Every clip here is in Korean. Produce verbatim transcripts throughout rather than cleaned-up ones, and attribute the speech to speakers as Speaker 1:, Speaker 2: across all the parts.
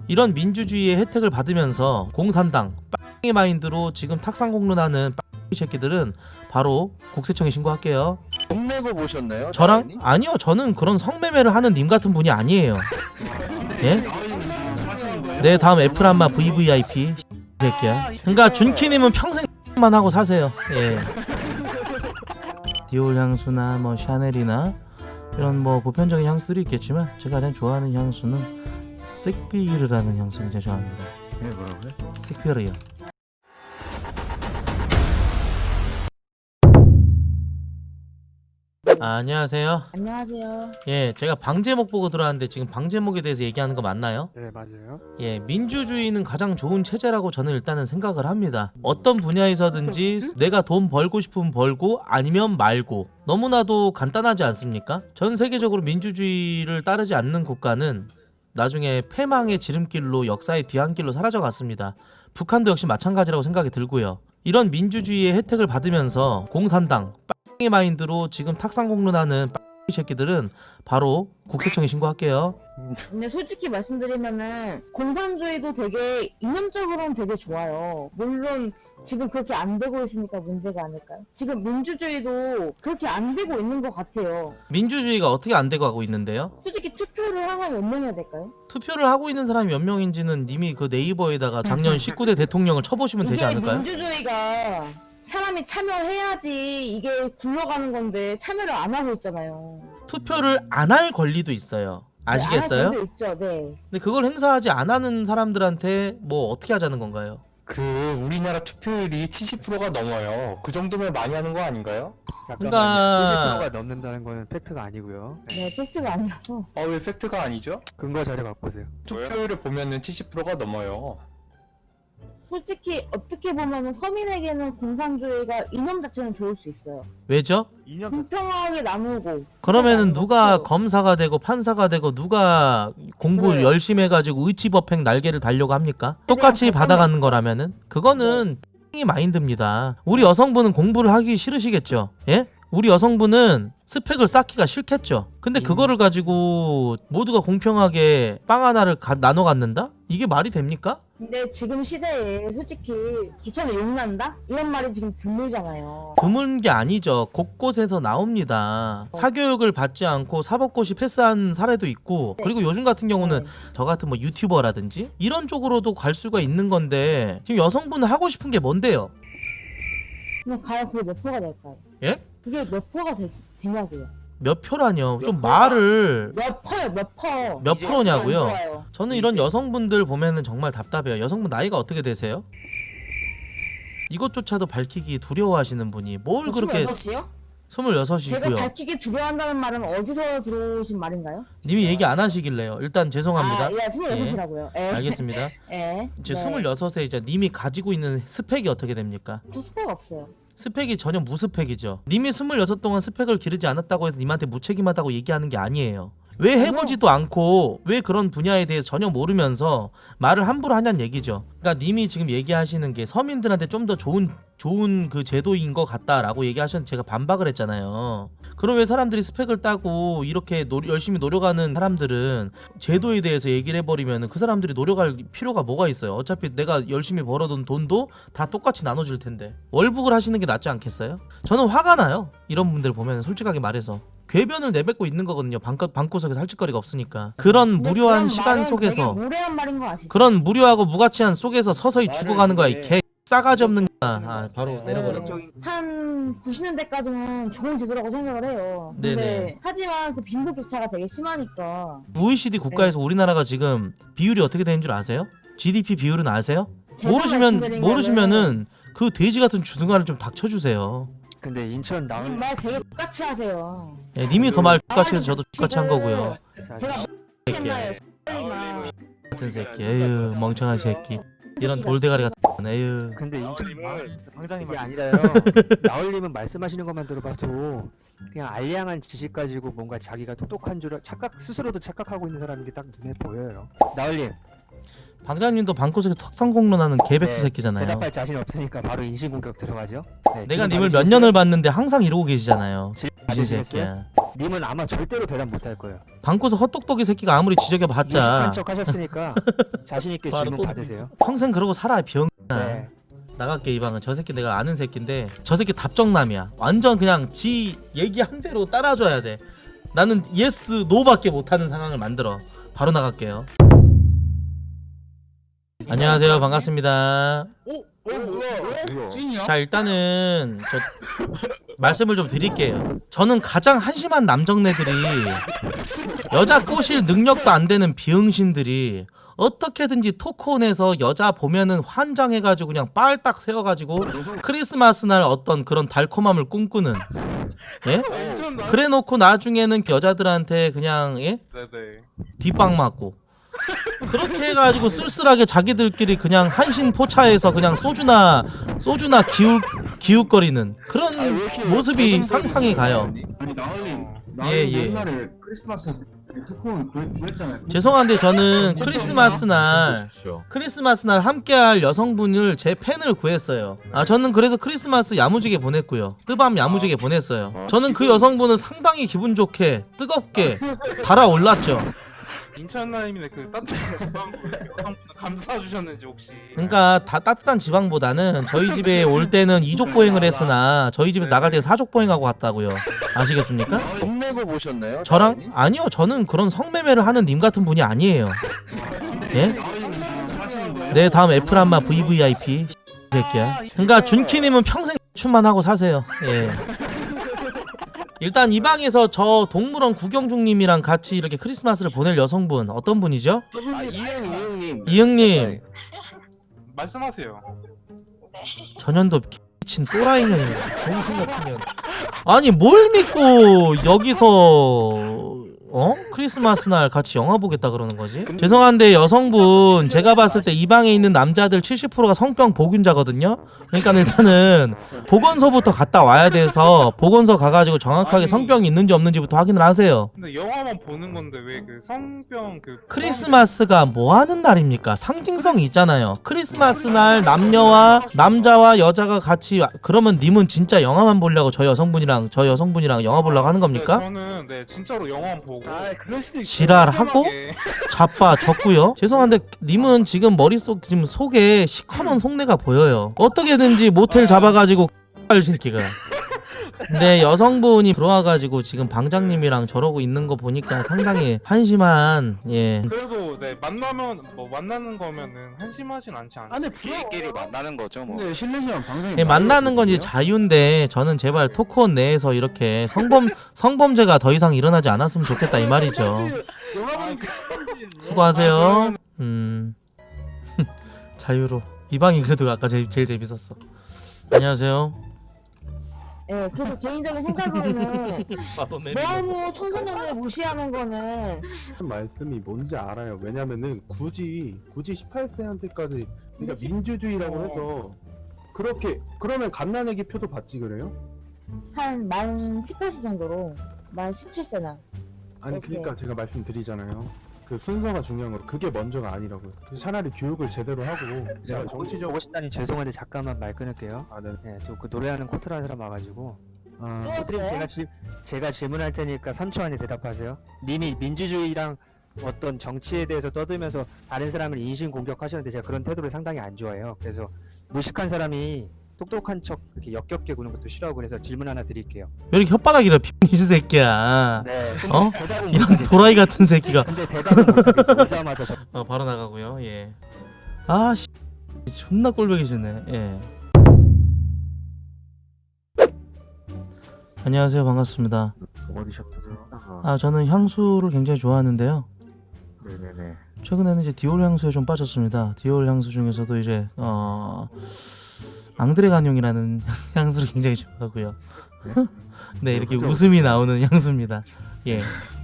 Speaker 1: 이런 민주주의의 혜택을 받으면서 공산당 빵의 마인드로 지금 탁상공론하는 빵 새끼들은 바로 국세청에 신고할게요.
Speaker 2: 돈 내고 보셨나요?
Speaker 1: 저랑?
Speaker 2: 당연히?
Speaker 1: 아니요, 저는 그런 성매매를 하는 님 같은 분이 아니에요. 예? 네, 다음 애플한마 브이브이아이피 새끼야. 그러니까 준키님은 평생만 하고 사세요. 예. 디올 향수나 뭐 샤넬이나 이런 뭐 보편적인 향수들이 있겠지만 제가 가장 좋아하는 향수는 섹비르라는 향수를 제가 좋아합니다.
Speaker 2: 네, 뭐라고요?
Speaker 1: 섹비르요. 아, 안녕하세요.
Speaker 3: 안녕하세요.
Speaker 1: 예, 제가 방제목 보고 들어왔는데 지금 방제목에 대해서 얘기하는 거 맞나요?
Speaker 4: 네, 맞아요.
Speaker 1: 예, 민주주의는 가장 좋은 체제라고 저는 일단은 생각을 합니다. 어떤 분야에서든지 내가 돈 벌고 싶으면 벌고 아니면 말고 너무나도 간단하지 않습니까? 전 세계적으로 민주주의를 따르지 않는 국가는 나중에 패망의 지름길로 역사의 뒤안길로 사라져갔습니다. 북한도 역시 마찬가지라고 생각이 들고요. 이런 민주주의의 혜택을 받으면서 공산당 빵의 마인드로 지금 탁상공론하는 빵 새끼들은 바로 국세청에 신고할게요.
Speaker 3: 근데 솔직히 말씀드리면은 공산주의도 되게 이념적으로는 되게 좋아요. 물론 지금 그렇게 안 되고 있으니까 문제가 아닐까요? 지금 민주주의도 그렇게 안 되고 있는 것 같아요.
Speaker 1: 민주주의가 어떻게 안 되고 가고 있는데요?
Speaker 3: 솔직히 투표를 한 사람이 몇 명이야 될까요?
Speaker 1: 투표를 하고 있는 사람이 몇 명인지는 님이 그 네이버에다가 작년 십구 대 대통령을 쳐보시면 되지
Speaker 3: 이게
Speaker 1: 않을까요?
Speaker 3: 민주주의가 사람이 참여해야지 이게 굴러가는 건데 참여를 안 하고 있잖아요.
Speaker 1: 투표를 안 할 권리도 있어요. 아시겠어요?
Speaker 3: 네, 안 할 권리 있죠, 네.
Speaker 1: 근데 그걸 행사하지 안 하는 사람들한테 뭐 어떻게 하자는 건가요?
Speaker 2: 그 우리나라 투표율이 칠십 퍼센트가 넘어요. 그 정도면 많이 하는 거 아닌가요?
Speaker 4: 잠깐만요.
Speaker 1: 그러니까-
Speaker 4: 칠십 퍼센트가 넘는다는 거는 팩트가 아니고요. 네.
Speaker 3: 네, 팩트가 아니라서.
Speaker 2: 어, 왜 팩트가 아니죠?
Speaker 4: 근거 자료 갖고 오세요.
Speaker 2: 투표율을 보면은 칠십 퍼센트가 넘어요.
Speaker 3: 솔직히 어떻게 보면은 서민에게는 공산주의가 이념 자체는 좋을 수 있어요.
Speaker 1: 왜죠?
Speaker 3: 공평하게 나누고.
Speaker 1: 그러면은 누가
Speaker 3: 그렇죠.
Speaker 1: 검사가 되고 판사가 되고 누가 공부
Speaker 3: 그래요.
Speaker 1: 열심히 해가지고 의치법행 날개를 달려고 합니까? 똑같이
Speaker 3: 그냥
Speaker 1: 받아가는 거라면은 그거는 이 마인드입니다. 우리 여성분은 공부를 하기 싫으시겠죠? 예? 우리 여성분은 스펙을 쌓기가 싫겠죠. 근데 그거를 가지고 모두가 공평하게 빵 하나를 가, 나눠 갖는다? 이게 말이 됩니까?
Speaker 3: 근데 지금 시대에 솔직히 기천에 욕난다? 이런 말이 지금 드물잖아요.
Speaker 1: 드문 게 아니죠. 곳곳에서 나옵니다. 사교육을 받지 않고 사법고시 패스한 사례도 있고, 그리고 요즘 같은 경우는 저 같은 뭐 유튜버라든지 이런 쪽으로도 갈 수가 있는 건데 지금 여성분은 하고 싶은 게 뭔데요?
Speaker 3: 근데 과연 그게 몇 표가 될까요?
Speaker 1: 예?
Speaker 3: 그게 몇 표가 되, 되냐고요?
Speaker 1: 몇 표라뇨? 좀 말을
Speaker 3: 몇 퍼요, 몇 퍼.
Speaker 1: 몇
Speaker 3: 이제
Speaker 1: 프로냐고요?
Speaker 3: 안 좋아요.
Speaker 1: 저는 이런 여성분들 보면은 정말 답답해요. 여성분 나이가 어떻게 되세요? 이것조차도 밝히기 두려워하시는 분이 뭘 그렇게
Speaker 3: 스물여섯이요? 제가
Speaker 1: 스물여섯이고요.
Speaker 3: 밝히기 두려워한다는 말은 어디서 들어오신 말인가요?
Speaker 1: 님이 얘기 안 하시길래요. 일단 죄송합니다.
Speaker 3: 아, 예, 스물여섯이라고요. 예.
Speaker 1: 알겠습니다.
Speaker 3: 예.
Speaker 1: 제
Speaker 3: 네.
Speaker 1: 스물여섯에 이제 님이 가지고 있는 스펙이 어떻게 됩니까?
Speaker 3: 저 스펙 없어요.
Speaker 1: 스펙이 전혀 무스펙이죠. 님이 스물여섯 동안 스펙을 기르지 않았다고 해서 님한테 무책임하다고 얘기하는 게 아니에요. 왜 해보지도 않고 왜 그런 분야에 대해서 전혀 모르면서 말을 함부로 하냐는 얘기죠. 그러니까 님이 지금 얘기하시는 게 서민들한테 좀 더 좋은 좋은 그 제도인 것 같다라고 얘기하셨는데 제가 반박을 했잖아요. 그럼 왜 사람들이 스펙을 따고 이렇게 노, 열심히 노력하는 사람들은 제도에 대해서 얘기를 해버리면 그 사람들이 노력할 필요가 뭐가 있어요. 어차피 내가 열심히 벌어둔 돈도 다 똑같이 나눠줄 텐데 월북을 하시는 게 낫지 않겠어요? 저는 화가 나요. 이런 분들 보면 솔직하게 말해서 궤변을 내뱉고 있는 거거든요. 방구, 방구석에서 할 짓거리가 없으니까. 그런
Speaker 3: 근데
Speaker 1: 무료한
Speaker 3: 그런
Speaker 1: 시간
Speaker 3: 말은
Speaker 1: 속에서
Speaker 3: 되게 무례한 말인 거 아시죠?
Speaker 1: 그런 무료하고 무가치한 속에서 서서히 죽어가는 거야. 이 개 싸가지 없는 거야. 아, 바로 내려버렸죠.
Speaker 3: 한 구십 년대까지는 좋은 제도라고 생각을 해요. 근데
Speaker 1: 네네.
Speaker 3: 하지만 그 빈부격차가 되게 심하니까
Speaker 1: 오이시디 국가에서 우리나라가 지금 비율이 어떻게 되는 줄 아세요? 지디피 비율은 아세요?
Speaker 3: 제가
Speaker 1: 모르시면
Speaker 3: 말씀드린
Speaker 1: 모르시면은 그 돼지 같은 주둥아를 좀 닥쳐주세요.
Speaker 4: 근데 인천
Speaker 3: 거는
Speaker 4: 나올
Speaker 3: 말 되게 똑같이 하세요.
Speaker 1: 예, 님이 더 말 똑같이 해서 저도 똑같이 한 거고요.
Speaker 3: 제가
Speaker 1: 새끼
Speaker 3: 옛날에 나
Speaker 1: 같은 새끼. 에휴 멍청한 새끼. 이런 돌대가리 같은. 에휴.
Speaker 4: 근데 인천
Speaker 5: 방장님
Speaker 4: 이게 아니라요. 나올님은 말씀하시는 것만 들어봐도 그냥 알량한 지식 가지고 뭔가 자기가 똑똑한 줄 착각 스스로도 착각하고 있는 사람인 게 딱 눈에 보여요. 나올님
Speaker 1: 방장님도 방구석에서 턱상공론하는 개백수
Speaker 4: 네,
Speaker 1: 새끼잖아요.
Speaker 4: 대답할 자신 없으니까 바로 인신공격 들어가죠. 네,
Speaker 1: 내가
Speaker 4: 지금
Speaker 1: 님을
Speaker 4: 바로
Speaker 1: 몇 년을 봤는데 항상 이러고 계시잖아요. 미친
Speaker 4: 아시겠어요?
Speaker 1: 새끼야.
Speaker 4: 님은 아마 절대로 대답 못할 거예요.
Speaker 1: 방구석 헛똑똑이 새끼가 아무리 지적해봤자
Speaker 4: 무식한 척 하셨으니까 자신 있게
Speaker 1: 바로
Speaker 4: 질문
Speaker 1: 또
Speaker 4: 받으세요.
Speaker 1: 평생 그러고 살아 병.
Speaker 4: 네.
Speaker 1: 나갈게 이 방은. 저 새끼 내가 아는 새끼인데 저 새끼 답정남이야. 완전 그냥 지 얘기한 대로 따라줘야 돼. 나는 예스 노밖에 못하는 상황을 만들어. 바로 나갈게요. 안녕하세요, 반갑습니다.
Speaker 2: 찐이야?
Speaker 1: 자, 일단은 저 말씀을 좀 드릴게요. 저는 가장 한심한 남정네들이 여자 꼬실 능력도 안 되는 비응신들이 어떻게든지 토크온에서 여자 보면은 환장해가지고 그냥 빨딱 세워가지고 크리스마스 날 어떤 그런 달콤함을 꿈꾸는, 예? 그래놓고 나중에는 여자들한테 그냥, 예?
Speaker 5: 네네.
Speaker 1: 뒷방 맞고 그렇게 해가지고 쓸쓸하게 자기들끼리 그냥 한신 포차에서 그냥 소주나 소주나 기웃 기웃거리는 그런 모습이 상상이 가요.
Speaker 6: 아니 나얼님,
Speaker 1: 예,
Speaker 6: 나얼님
Speaker 1: 예.
Speaker 6: 옛날에 크리스마스 토크온 구했잖아요.
Speaker 1: 죄송한데 저는 크리스마스 날 크리스마스 날 함께할 여성분을 제 팬을 구했어요. 아 저는 그래서 크리스마스 야무지게 보냈고요. 뜨밤 야무지게 보냈어요. 저는 그 여성분을 상당히 기분 좋게 뜨겁게 달아올랐죠.
Speaker 5: 인천라임의 그 따뜻한 지방 감사 주셨는지 혹시.
Speaker 1: 그러니까 다 따뜻한 지방보다는 저희 집에 올 때는 이족 보행을 했으나 저희 집에서 나갈 때 사족 보행하고 갔다고요. 아시겠습니까?
Speaker 7: 돈 내고 보셨나요?
Speaker 1: 저랑 아니요, 저는 그런 성매매를 하는 님 같은 분이 아니에요. 예? 네, 다음 애플한마 브이브이아이피 새끼야. 그러니까 준키님은 평생 춤만 하고 사세요. 예. 일단 이 방에서 저 동물원 구경중님이랑 같이 이렇게 크리스마스를 보낼 여성분 어떤 분이죠?
Speaker 7: 아, 이응 이응님.
Speaker 1: 이응님.
Speaker 7: 네.
Speaker 5: 말씀하세요.
Speaker 1: 전현도 미친 또라이는 정신 같은 년. 아니 뭘 믿고 여기서 어? 크리스마스 날 같이 영화 보겠다 그러는 거지? 죄송한데 여성분 제가 봤을 때 이 방에 있는 남자들 칠십 퍼센트가 성병 보균자거든요? 그러니까 일단은 보건소부터 갔다 와야 돼서 보건소 가가지고 정확하게 성병이 있는지 없는지부터 확인을 하세요.
Speaker 5: 근데 영화만 보는 건데 왜 그 성병 그
Speaker 1: 크리스마스가 뭐 하는 날입니까? 상징성이 있잖아요. 크리스마스 날 남녀와 남자와 여자가 같이 와- 그러면 님은 진짜 영화만 보려고 저 여성분이랑 저 여성분이랑 영화 보려고 하는 겁니까?
Speaker 5: 네, 저는 네 진짜로 영화만 보고.
Speaker 7: 아, 그럴 수도 있어.
Speaker 1: 지랄하고
Speaker 5: 평범하게.
Speaker 1: 자빠 졌고요. 죄송한데 님은 지금 머릿속 지금 속에 시커먼 속내가 보여요. 어떻게든지 모텔 잡아가지고 할 새끼가. 근데 여성분이 들어와가지고 지금 방장님이랑 저러고 있는 거 보니까 상당히 한심한 예.
Speaker 5: 그래도 네 만나면 뭐 만나는 거면은 한심하진 않지 않아요.
Speaker 7: 아니 비행기를 만나는 거죠 뭐.
Speaker 6: 근데 실례지만 방송에
Speaker 1: 예, 만나는 건 이제 자유인데 저는 제발 토크온 내에서 이렇게 성범 성범죄가 더 이상 일어나지 않았으면 좋겠다 이 말이죠. 수고하세요. 음 자유로 이 방이 그래도 아까 제일 제일 재밌었어. 안녕하세요.
Speaker 3: 예, 그래서 개인적인 생각으로는
Speaker 1: 바로 내리고.
Speaker 3: 너무 청소년을 무시하는 거는
Speaker 8: 말씀이 뭔지 알아요. 왜냐면은 굳이 굳이 십팔 세한테까지 그러니까 민주주의라고 해서 그렇게 그러면 갓난아기 표도 받지 그래요?
Speaker 3: 한 만 십팔 세 정도로 만 십칠 세나
Speaker 8: 아니
Speaker 3: 오케이.
Speaker 8: 그러니까 제가 말씀드리잖아요. 그 순서가 중요한 거로 그게 먼저가 아니라고요. 차라리 교육을 제대로 하고 제가 정치적
Speaker 4: 오시다니 죄송한데 잠깐만 말 끊을게요.
Speaker 8: 아, 네.
Speaker 4: 네, 저 그 노래하는 코트라는 사람 와가지고.
Speaker 8: 아,
Speaker 3: 또
Speaker 4: 코트님
Speaker 3: 왔어요?
Speaker 4: 제가 질 제가 질문할 테니까 삼 초 안에 대답하세요. 님이 민주주의랑 어떤 정치에 대해서 떠들면서 다른 사람을 인신 공격하셨는데 제가 그런 태도를 상당히 안 좋아해요. 그래서 무식한 사람이 똑똑한 척 이렇게 역겹게 구는 것도 싫어하고 그래서 질문 하나 드릴게요.
Speaker 1: 왜 이렇게 혓바닥이라 빙신 새끼야.
Speaker 4: 네.
Speaker 1: 어?
Speaker 4: 대답은
Speaker 1: 이런
Speaker 4: 못하겠죠.
Speaker 1: 도라이 같은 새끼가.
Speaker 4: 근데 대답은 못하겠죠. 오자마자 저
Speaker 1: 어 바로 나가고요. 예. 아 씨. 존나 꼴보기 싫네. 예. 안녕하세요. 반갑습니다.
Speaker 7: 어디셨어요?
Speaker 1: 아 저는 향수를 굉장히 좋아하는데요.
Speaker 7: 네네네.
Speaker 1: 최근에는 이제 디올 향수에 좀 빠졌습니다. 디올 향수 중에서도 이제 어 앙드레 간용이라는 향수를 굉장히 좋아하고요. 네 이렇게 웃음이 나오는 향수입니다. 예.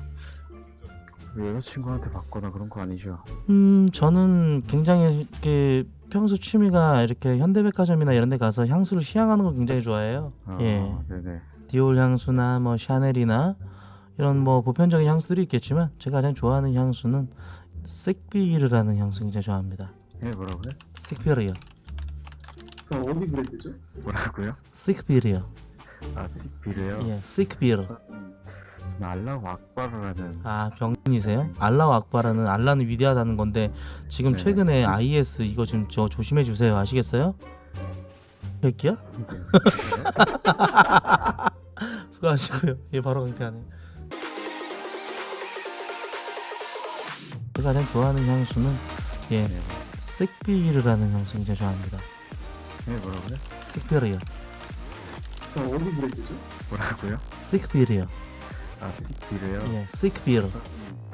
Speaker 7: 여자친구한테 받거나 그런 거 아니죠?
Speaker 1: 음 저는 굉장히 이렇게 평소 취미가 이렇게 현대백화점이나 이런 데 가서 향수를 시향하는 거 굉장히 좋아해요.
Speaker 7: 아,
Speaker 1: 예.
Speaker 7: 네네.
Speaker 1: 디올 향수나 뭐 샤넬이나 이런 뭐 보편적인 향수들이 있겠지만 제가 가장 좋아하는 향수는 섹비르라는 향수 굉장히 좋아합니다.
Speaker 7: 예, 뭐라고요?
Speaker 1: 섹비르요.
Speaker 6: 어디 브랜드죠?
Speaker 7: 뭐라고요?
Speaker 1: 섹비르요.
Speaker 7: 아 식비르요?
Speaker 1: 예, 시크비르.
Speaker 7: 저는 알라우 악바르라는
Speaker 1: 아, 병신이세요? 알라우 악바라는 알라는 위대하다는 건데 지금
Speaker 7: 네.
Speaker 1: 최근에 아이에스 이거 좀 저 조심해 주세요. 아시겠어요? 새끼야? 수고하시고요. 예, 바로 강퇴하네. 제가 가장 좋아하는 향수는 예,
Speaker 7: 네.
Speaker 1: 식비르라는 향수 굉장히 좋아합니다.
Speaker 7: 네 뭐라고요?
Speaker 1: 식비르요.
Speaker 6: 어디 브랜드죠?
Speaker 7: 뭐라고요?
Speaker 1: 식비르요.
Speaker 7: 아 식비르요?
Speaker 1: 예, 식비르.
Speaker 7: 음,